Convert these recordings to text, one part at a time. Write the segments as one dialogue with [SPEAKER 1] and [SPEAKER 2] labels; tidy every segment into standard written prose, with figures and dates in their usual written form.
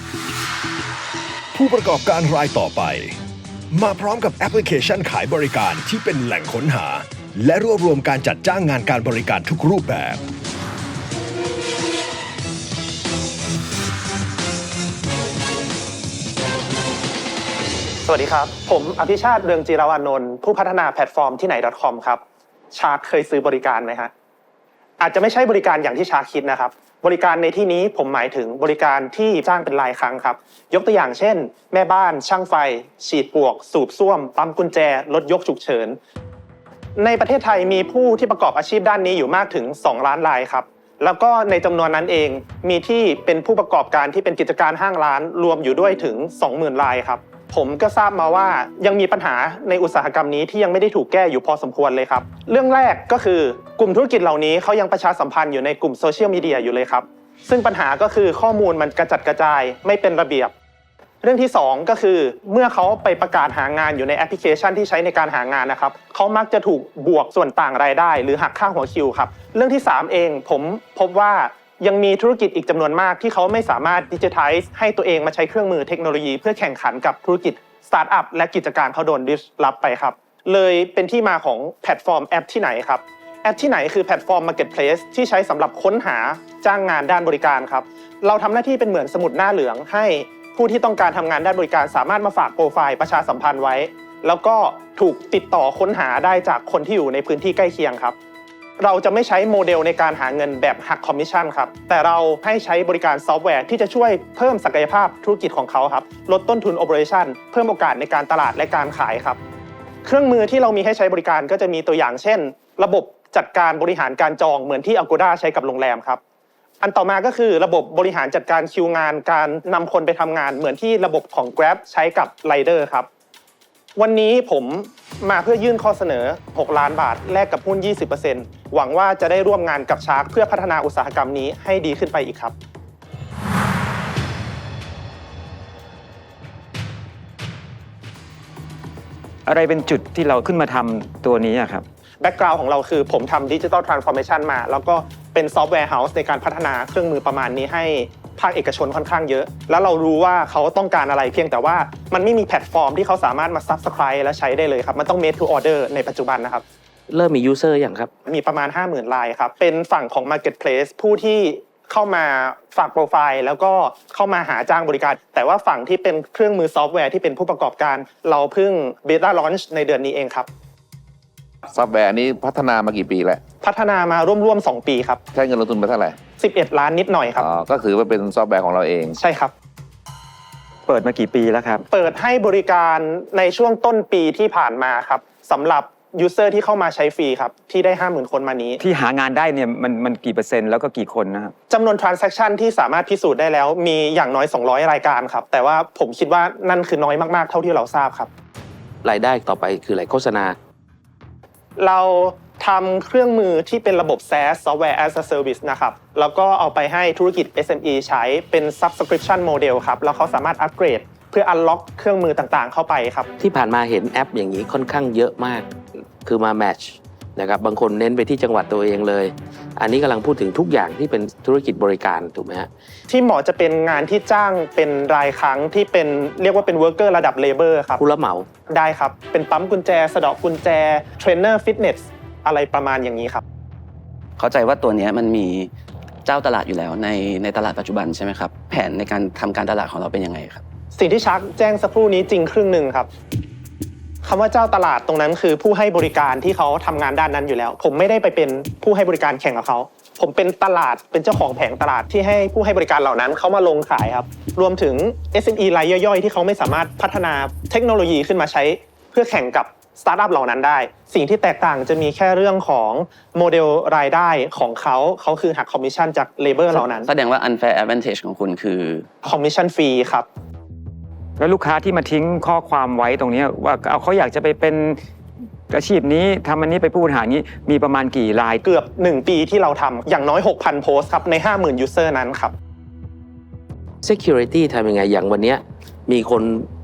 [SPEAKER 1] ผู้ประกอบการรายต่อไปมาพร้อมกับแอปพลิเคชันขายบริการที่เป็นแหล่งค้นหาและรวบรวมการจัดจ้างงานการบริการทุกรูปแบบ
[SPEAKER 2] สวัสดีครับผมอภิชาติเรืองจิรวานนท์ผู้พัฒนาแพลตฟอร์มที่ไหน .com ครับชาร์กเคยซื้อบริการไหมฮะอาจจะไม่ใช่บริการอย่างที่ชาร์กคิดนะครับบริการในที่นี้ผมหมายถึงบริการที่จ้างเป็นรายครั้งครับยกตัวอย่างเช่นแม่บ้านช่างไฟฉีดปลวกสูบซ่วมปั๊มกุญแจรถยกฉุกเฉินในประเทศไทยมีผู้ที่ประกอบอาชีพด้านนี้อยู่มากถึง2 ล้านรายครับแล้วก็ในจำนวนนั้นเองมีที่เป็นผู้ประกอบการที่เป็นกิจการห้างร้านรวมอยู่ด้วยถึง 20,000 รายครับผมก็ทราบมาว่ายังมีปัญหาในอุตสาหกรรมนี้ที่ยังไม่ได้ถูกแก้อยู่พอสมควรเลยครับเรื่องแรกก็คือกลุ่มธุรกิจเหล่านี้เขายังประชาสัมพันธ์อยู่ในกลุ่มโซเชียลมีเดียอยู่เลยครับซึ่งปัญหาก็คือข้อมูลมันกระจัดกระจายไม่เป็นระเบียบเรื่องที่2ก็คือเมื่อเขาไปประกาศหางานอยู่ในแอปพลิเคชันที่ใช้ในการหางานนะครับเขามักจะถูกบวกส่วนต่างรายได้หรือหักค่าหัวคิวครับเรื่องที่3เองผมพบว่ายังมีธุรกิจอีกจำนวนมากที่เขาไม่สามารถดิจิทัลให้ตัวเองมาใช้เครื่องมือเทคโนโลยีเพื่อแข่งขันกับธุรกิจสตาร์ทอัพและกิจการเขาโดนดิสรับไปครับเลยเป็นที่มาของแพลตฟอร์มแอปที่ไหนครับแอปที่ไหนคือแพลตฟอร์ม Marketplace ที่ใช้สำหรับค้นหาจ้างงานด้านบริการครับเราทำหน้าที่เป็นเหมือนสมุดหน้าเหลืองให้ผู้ที่ต้องการทำงานด้านบริการสามารถมาฝากโปรไฟล์ประชาสัมพันธ์ไว้แล้วก็ถูกติดต่อค้นหาได้จากคนที่อยู่ในพื้นที่ใกล้เคียงครับเราจะไม่ใช้โมเดลในการหาเงินแบบหักคอมมิชชั่นครับแต่เราให้ใช้บริการซอฟต์แวร์ที่จะช่วยเพิ่มศักยภาพธุรกิจของเขาครับลดต้นทุนโอเปอเรชั่นเพิ่มโอกาสในการตลาดและการขายครับเครื่องมือที่เรามีให้ใช้บริการก็จะมีตัวอย่างเช่นระบบจัดการบริหารการจองเหมือนที่ Agoda ใช้กับโรงแรมครับอันต่อมาก็คือระบบบริหารจัดการคิวงานการนำคนไปทำงานเหมือนที่ระบบของ Grab ใช้กับ Rider ครับวันนี้ผมมาเพื่อยื่นข้อเสนอ6 ล้านบาทแลกกับหุ้น 20% หวังว่าจะได้ร่วมงานกับชาร์กเพื่อพัฒนาอุตสาหกรรมนี้ให้ดีขึ้นไปอีกครับ
[SPEAKER 3] อะไรเป็นจุดที่เราขึ้นมาทำตัวนี้ครับ
[SPEAKER 2] แบ็กกราวด์ของเราคือผมทำดิจิทัลทรานส์ฟอร์เมชันมาแล้วก็เป็นซอฟต์แวร์เฮาส์ในการพัฒนาเครื่องมือประมาณนี้ให้ภาคเอกชนค่อนข้างเยอะแล้วเรารู้ว่าเขาต้องการอะไรเพียงแต่ว่ามันไม่มีแพลตฟอร์มที่เขาสามารถมา Subscribe และใช้ได้เลยครับมันต้อง made to order ในปัจจุบันนะครับ
[SPEAKER 4] เริ่มมียูเซอร์อย่างครับ
[SPEAKER 2] มีประมาณ 50,000 รายครับเป็นฝั่งของ Marketplace ผู้ที่เข้ามาฝากโปรไฟล์แล้วก็เข้ามาหาจ้างบริการแต่ว่าฝั่งที่เป็นเครื่องมือซอฟต์แวร์ที่เป็นผู้ประกอบการเราเพิ่ง Beta Launch ในเดือนนี้เองครับ
[SPEAKER 5] ซอฟต์แวร์นี้พัฒนามากี่ปีแล้ว
[SPEAKER 2] พัฒนามาร่วม2 ปีครับ
[SPEAKER 5] ใช้เงินลงทุนไปเท่าไหร่
[SPEAKER 2] 11 ล้านนิดหน่อยครับ
[SPEAKER 5] ก็คือว่าเป็นซอฟต์แวร์ของเราเอง
[SPEAKER 2] ใช่ครับ
[SPEAKER 3] เปิดมากี่ปีแล้วครับ
[SPEAKER 2] เปิดให้บริการในช่วงต้นปีที่ผ่านมาครับสำหรับยูเซอร์ที่เข้ามาใช้ฟรีครับที่ได้ 50,000 คนมานี้
[SPEAKER 3] ที่หางานได้เนี่ยมันกี่เปอร์เซ็นต์แล้วก็กี่คนนะครับ
[SPEAKER 2] จำนวน transaction ที่สามารถพิสูจน์ได้แล้วมีอย่างน้อย200 รายการครับแต่ว่าผมคิดว่านั่นคือน้อยมากๆเท่าที่เราทราบครับ
[SPEAKER 4] รายได้ต่อไปคืออะไรโฆษณา
[SPEAKER 2] เราทำเครื่องมือที่เป็นระบบ SaaS Software as a Service นะครับแล้วก็เอาไปให้ธุรกิจ SME ใช้เป็น Subscription Model ครับแล้วเขาสามารถอัปเกรดเพื่อ unlock เครื่องมือต่างๆเข้าไปครับ
[SPEAKER 4] ที่ผ่านมาเห็นแอปอย่างนี้ค่อนข้างเยอะมากคือมาแมทช์นะครับบางคนเน้นไปที่จังหวัดตัวเองเลยอันนี้กำลังพูดถึงทุกอย่างที่เป็นธุรกิจบริการถูกไหมฮะ
[SPEAKER 2] ที่เหมาะจะเป็นงานที่จ้างเป็นรายครั้งที่เป็นเรียกว่าเป็น worker ระดับ labor ครับ
[SPEAKER 4] ผู้รับเหมา
[SPEAKER 2] ได้ครับเป็นปั๊มกุญแจสะเดาะกุญแจเทรนเนอร์ฟิตเนสอะไรประมาณอย่างนี้ครับ
[SPEAKER 6] เข้าใจว่าตัวนี้มันมีเจ้าตลาดอยู่แล้วในตลาดปัจจุบันใช่ไหมครับแผนในการทำการตลาดของเราเป็นยังไงครับ
[SPEAKER 2] สิ่งที่ชักแจ้งสักครู่นี้จริงครึ่งหนึ่งครับคำว่าเจ้าตลาดตรงนั้นคือผู้ให้บริการที่เขาทำงานด้านนั้นอยู่แล้วผมไม่ได้ไปเป็นผู้ให้บริการแข่งกับเขาผมเป็นตลาดเป็นเจ้าของแผงตลาดที่ให้ผู้ให้บริการเหล่านั้นเขามาลงขายครับรวมถึง SME รายย่อยๆที่เขาไม่สามารถพัฒนาเทคโนโลยีขึ้นมาใช้เพื่อแข่งกับสตาร์ทอัพเหล่านั้นได้สิ่งที่แตกต่างจะมีแค่เรื่องของโมเดลรายได้ของเขาคือหักคอมมิชชั่นจากเลเบอร์เหล่านั้น
[SPEAKER 6] แสดงว่า unfair advantage ของคุณคือ
[SPEAKER 2] คอมมิชชั่นฟรีครับ
[SPEAKER 3] แล้วลูกค้าที่มาทิ้งข้อความไว้ตรงนี้ว่าเขาอยากจะไปเป็นอาชีพนี้ทำอันนี้ไปผู้บริหารนี้มีประมาณกี่ราย
[SPEAKER 2] เกือบ1 ปีที่เราทำอย่างน้อย 6,000 โพสต์ครับใน 50,000 ยูเซอร์นั้นครับ
[SPEAKER 4] Security ทำยังไงอย่างวันนี้มีคน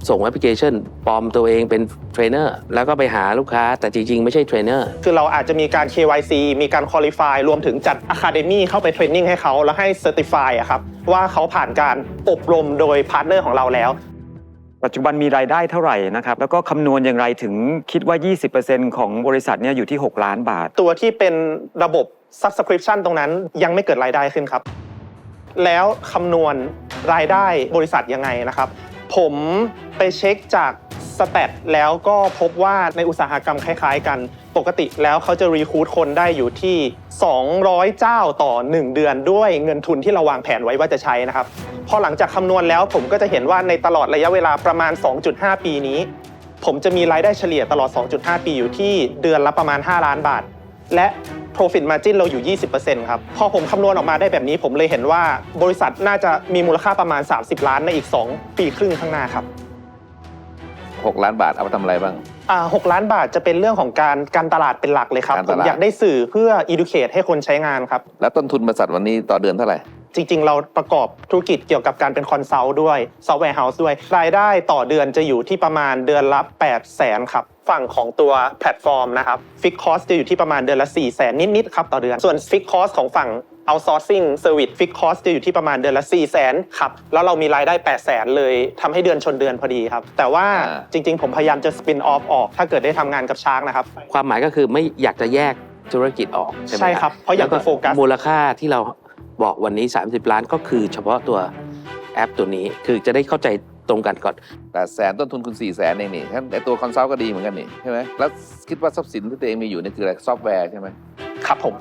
[SPEAKER 4] ส่งแอปพลิเคชันปลอมตัวเองเป็นเทรนเนอร์แล้วก็ไปหาลูกค้าแต่จริงๆไม่ใช่เทรนเนอร์
[SPEAKER 2] คือเราอาจจะมีการ KYC มีการ Qualify รวมถึงจัด Academy เข้าไปเทรนนิ่งให้เขาแล้วให้ Certify อะครับว่าเขาผ่านการอบรมโดยพาร์ทเนอร์ของเราแล้ว
[SPEAKER 3] ปัจจุบันมีรายได้เท่าไหร่นะครับแล้วก็คำนวณอย่างไรถึงคิดว่า 20% ของบริษัทเนี่ยอยู่ที่6 ล้านบาท
[SPEAKER 2] ตัวที่เป็นระบบ Subscription ตรงนั้นยังไม่เกิดรายได้ขึ้นครับ แล้วคำนวณรายได้บริษัทยังไงนะครับผมไปเช็คจากสแตทแล้วก็พบว่าในอุตสาหกรรมคล้ายๆกันปกติแล้วเขาจะรีคูดคนได้อยู่ที่200เจ้าต่อ1เดือนด้วยเงินทุนที่เราวางแผนไว้ว่าจะใช้นะครับพอหลังจากคำนวณแล้วผมก็จะเห็นว่าในตลอดระยะเวลาประมาณ 2.5 ปีนี้ผมจะมีรายได้เฉลี่ยตลอด 2.5 ปีอยู่ที่เดือนละประมาณ5ล้านบาทและ Profit Margin เราอยู่ 20% ครับพอผมคำนวณออกมาได้แบบนี้ผมเลยเห็นว่าบริษัทน่าจะมีมูลค่าประมาณ30ล้านในอีก2 ปีครึ่งข้างหน้าครับ
[SPEAKER 5] 6 ล้านบาทเอาไปทำอะไรบ้าง
[SPEAKER 2] 6 ล้านบาทจะเป็นเรื่องของการตลาดเป็นหลักเลยครับผมอยากได้สื่อเพื่อ educate ให้คนใช้งานครับ
[SPEAKER 5] แล้วต้นทุนบริษัทวันนี้ต่อเดือนเท่าไหร่
[SPEAKER 2] จริงๆเราประกอบธุรกิจเกี่ยวกับการเป็นคอนซัลท์ด้วยซอฟต์แวร์เฮาส์ด้วยรายได้ต่อเดือนจะอยู่ที่ประมาณเดือนละ800,000ครับฝั่งของตัวแพลตฟอร์มนะครับฟิกคอสจะอยู่ที่ประมาณเดือนละ400,000นิดๆครับต่อเดือนส่วนฟิกคอสของฝั่ง outsourcing service fix cost จะอยู่ที่ประมาณเดือนละ 400,000 ครับแล้วเรามีรายได้ 800,000 เลยทำให้เดือนชนเดือนพอดีครับแต่ว่าจริงๆผมพยายามจะ spin off ออกถ้าเกิดได้ทำงานกับชาร์กนะครับ
[SPEAKER 4] ความหมายก็คือไม่อยากจะแยกธุรกิจออกใช่ไหม
[SPEAKER 2] ใช่ครับเพราะอยากจะโฟกัส
[SPEAKER 4] มูลค่าที่เราบอกวันนี้30ล้านก็คือเฉพาะตัวแอปตัวนี้คือจะได้เข้าใจตรงกันก่อน
[SPEAKER 5] 800,000ต้นทุนคุณ400,000เองนี่งั้นไอตัวคอนซัลท์ก็ดีเหมือนกันนี่ใช่ไหมแล้วคิดว่าทรัพย์สินที่ตัวเองมีอยู่นี่คืออะไรซอฟต์แวร์ใช่ไหม
[SPEAKER 2] ครับผม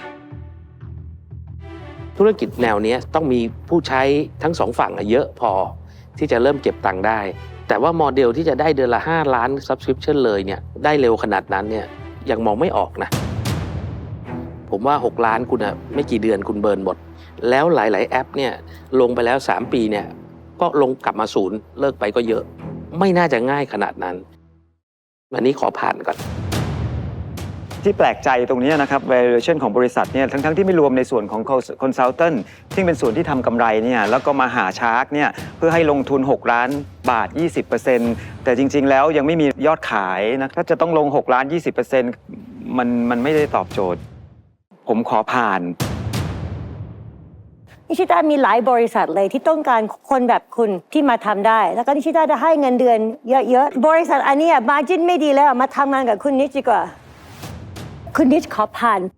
[SPEAKER 4] ธุรกิจแนวนี้ต้องมีผู้ใช้ทั้งสองฝั่งเยอะพอที่จะเริ่มเก็บตังค์ได้แต่ว่าโมเดลที่จะได้เดือนละ5ล้าน Subscription เลยเนี่ยได้เร็วขนาดนั้นเนี่ยยังมองไม่ออกนะผมว่า6ล้านคุณไม่กี่เดือนคุณเบิร์นหมดแล้วหลายๆแอปเนี่ยลงไปแล้ว3ปีเนี่ยก็ลงกลับมาศูนย์เลิกไปก็เยอะไม่น่าจะง่ายขนาดนั้นวันนี้ขอผ่านก่อน
[SPEAKER 3] ที่แปลกใจตรงนี้นะครับ valuation ของบริษัทเนี่ยทั้งที่ไม่รวมในส่วนของ consultant ที่เป็นส่วนที่ทำกำไรเนี่ยแล้วก็มาหาชาร์กเนี่ยเพื่อให้ลงทุน6ล้านบาท 20% แต่จริงๆแล้วยังไม่มียอดขายนะถ้าจะต้องลง6ล้าน 20% มันไม่ได้ตอบโจทย์ผมขอผ่าน
[SPEAKER 7] นิชิตามีหลายบริษัทเลยที่ต้องการคนแบบคุณที่มาทำได้แล้วก็นิชิตาจะให้เงินเดือนเยอะๆบริษัทอันนี้มาร์จิ้นไม่ดีแล้วมาทำงานกับคุณนิชดีกว่าคุณนิชขอผ่าน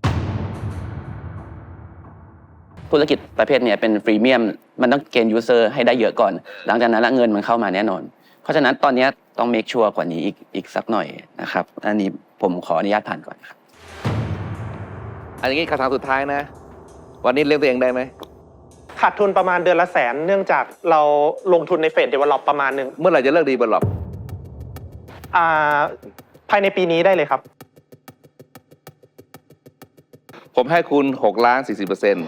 [SPEAKER 6] ธุรกิจประเภทนี้เป็นฟรีเมียมมันต้องเกณฑ์ยูเซอร์ให้ได้เยอะก่อนหลังจากนั้นเงินมันเข้ามาแน่นอนเพราะฉะนั้นตอนนี้ต้องเมคชัวร์กว่านี้อีกสักหน่อยนะครับอันนี้ผมขออนุญาตผ่านก่อนครับ
[SPEAKER 5] อันนี้คำถามสุดท้ายนะวันนี้เลี้ยงตัวเองได้ไหม
[SPEAKER 2] ขาดทุนประมาณเดือนละ100,000เนื่องจากเราลงทุนในเฟสเดเวลลอปประมาณนึง
[SPEAKER 5] เมื่อไหร่จะเลิกดีเวลลอป
[SPEAKER 2] ภายในปีนี้ได้เลยครับ
[SPEAKER 5] ผมให้คุณ6ล้าน 40%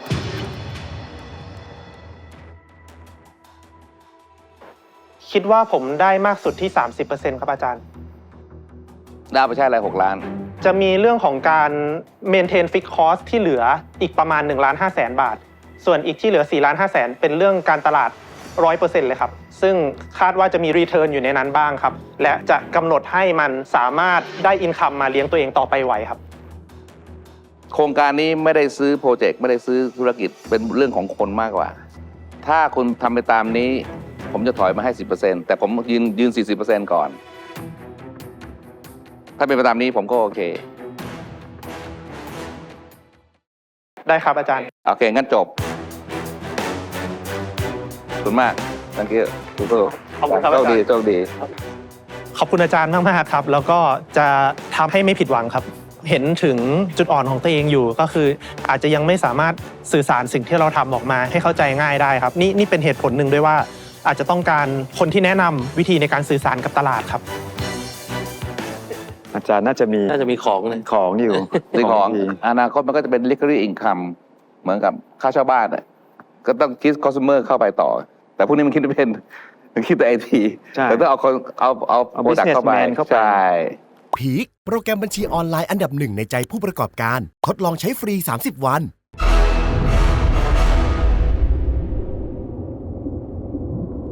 [SPEAKER 2] คิดว่าผมได้มากสุดที่ 30% ครับอาจารย์
[SPEAKER 5] ได้ไปใช่อะไร6ล้าน
[SPEAKER 2] จะมีเรื่องของการ maintain fixed cost ที่เหลืออีกประมาณ1,500,000 บาทส่วนอีกที่เหลือ4,500,000เป็นเรื่องการตลาด 100% เลยครับซึ่งคาดว่าจะมี return อยู่ในนั้นบ้างครับและจะกำหนดให้มันสามารถได้ income มาเลี้ยงตัวเองต่อไปไหวครับ
[SPEAKER 5] โครงการนี้ไม่ได้ซื้อโปรเจกต์ไม่ได้ซื้อธุรกิจเป็นเรื่องของคนมากกว่าถ้าคุณทำไปตามนี้ผมจะถอยมาให้ 10% แต่ผมยืน 40% ก่อนถ้าเป็นไปตามนี้ผมก็โอเค
[SPEAKER 2] ได้ครับอาจารย์
[SPEAKER 5] โอเคงั้นจบขอบคุณมาก thank you
[SPEAKER 2] ขอบคุณครับอาจารย์
[SPEAKER 5] โชคดี
[SPEAKER 2] ขอบคุณอาจารย์มากๆครับแล้วก็จะทำให้ไม่ผิดหวังครับเห็นถึงจุดอ่อนของตัวเองอยู่ก็คืออาจจะยังไม่สามารถสื่อสารสิ่งที่เราทำออกมาให้เข้าใจง่ายได้ครับนี่เป็นเหตุผลหนึ่งด้วยว่าอาจจะต้องการคนที่แนะนำวิธีในการสื่อสารกับตลาดครับ
[SPEAKER 3] อาจารย์น่าจะมีของอยู่
[SPEAKER 5] ในของอนาคตมันก็จะเป็น recurring income เหมือนกับค่าเช่าบ้านก็ต้องคิด customer เข้าไปต่อแต่พวกนี้มันคิดไม่เป็นมันคิดแต่ IT แต่ต้องเอา product เข้าไปใช่
[SPEAKER 8] พีคโปรแกรมบัญชีออนไลน์อันดับ 1ในใจผู้ประกอบการทดลองใช้ฟรี30 วัน